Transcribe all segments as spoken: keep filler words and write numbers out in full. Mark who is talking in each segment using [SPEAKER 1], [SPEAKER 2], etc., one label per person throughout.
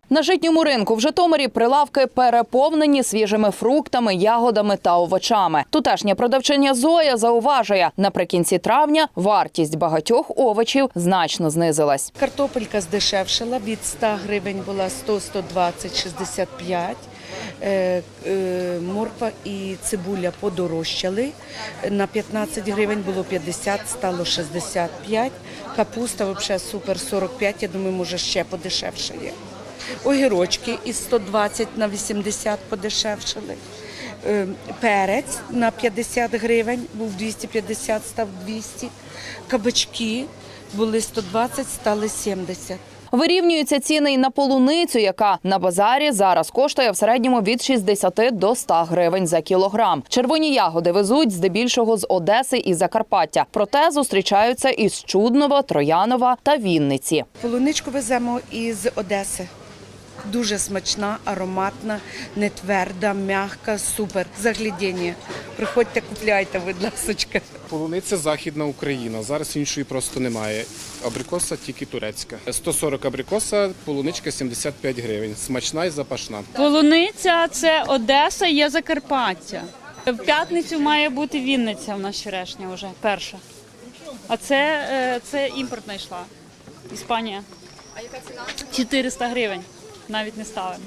[SPEAKER 1] На житньому ринку в Житомирі прилавки переповнені свіжими фруктами, ягодами та овочами. Тутешня продавчиня Зоя зауважує, наприкінці травня вартість багатьох овочів значно знизилась.
[SPEAKER 2] Картопелька здешевшила, від ста гривень була сто - сто двадцять - шістдесят п'ять. Е, е, морква і цибуля подорожчали. На п'ятнадцять гривень було п'ятдесят, стало шістдесят п'ять. Капуста взагалі супер сорок п'ять, я думаю, може ще подешевшає. Огірочки із сто двадцять на вісімдесят подешевшали. Е, перець на п'ятдесят гривень, був двісті п'ятдесят, став двісті. Кабачки були сто двадцять, стали сімдесят.
[SPEAKER 1] Вирівнюються ціни й на полуницю, яка на базарі зараз коштує в середньому від шістдесяти до ста гривень за кілограм. Червоні ягоди везуть здебільшого з Одеси і Закарпаття. Проте зустрічаються із Чуднова, Троянова та Вінниці.
[SPEAKER 2] Полуничку веземо із Одеси. Дуже смачна, ароматна, не тверда, м'яка, супер. Заглядіння. Приходьте, купляйте, будь ласочка.
[SPEAKER 3] Полуниця – Західна Україна. Зараз іншої просто немає. Абрикоса тільки турецька. сто сорок абрикоса, полуничка сімдесят п'ять гривень. Смачна і запашна.
[SPEAKER 4] Полуниця – це Одеса, є Закарпаття. В п'ятницю має бути Вінниця, в нас черешня вже перша. А це, це імпортна йшла. Іспанія. А яка ціна? чотириста гривень. Навіть не ставимо.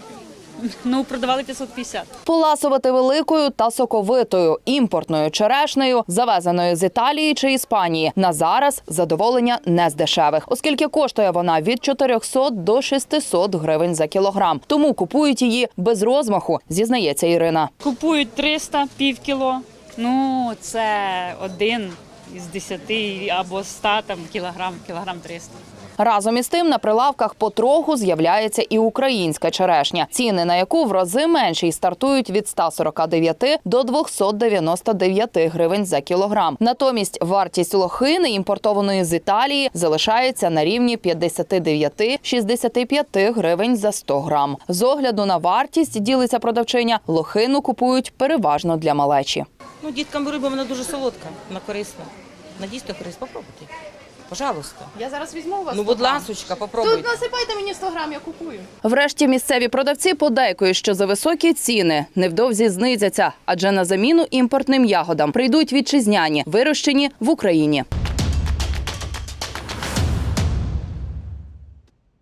[SPEAKER 4] Ну, продавали п'ятсот п'ятдесят.
[SPEAKER 1] Поласувати великою та соковитою імпортною черешнею, завезеною з Італії чи Іспанії, на зараз задоволення не з дешевих, оскільки коштує вона від чотирьохсот до шестисот гривень за кілограм. Тому купують її без розмаху, зізнається Ірина.
[SPEAKER 4] Купують триста, пів кіло. Ну, це один із десяти або ста там, кілограм, кілограм триста.
[SPEAKER 1] Разом із тим на прилавках потроху з'являється і українська черешня, ціни на яку в рази менші й стартують від ста сорока дев'яти до двохсот дев'яноста дев'яти гривень за кілограм. Натомість вартість лохини, імпортованої з Італії, залишається на рівні п'ятдесят дев'ять - шістдесят п'ять гривень за сто грам. З огляду на вартість, ділиться продавчиня, лохину купують переважно для малечі.
[SPEAKER 5] Ну, діткам беру, бо вона дуже солодка, вона корисна. Вона дійсно корисна, попробуйте. Пожалуйста.
[SPEAKER 6] Я зараз візьму у вас.
[SPEAKER 5] Ну, будь ласочка, попробуйте.
[SPEAKER 6] Тут насипайте мені сто грам, я купую.
[SPEAKER 1] Врешті місцеві продавці подейкують, що за високі ціни невдовзі знизяться, адже на заміну імпортним ягодам прийдуть вітчизняні, вирощені в Україні.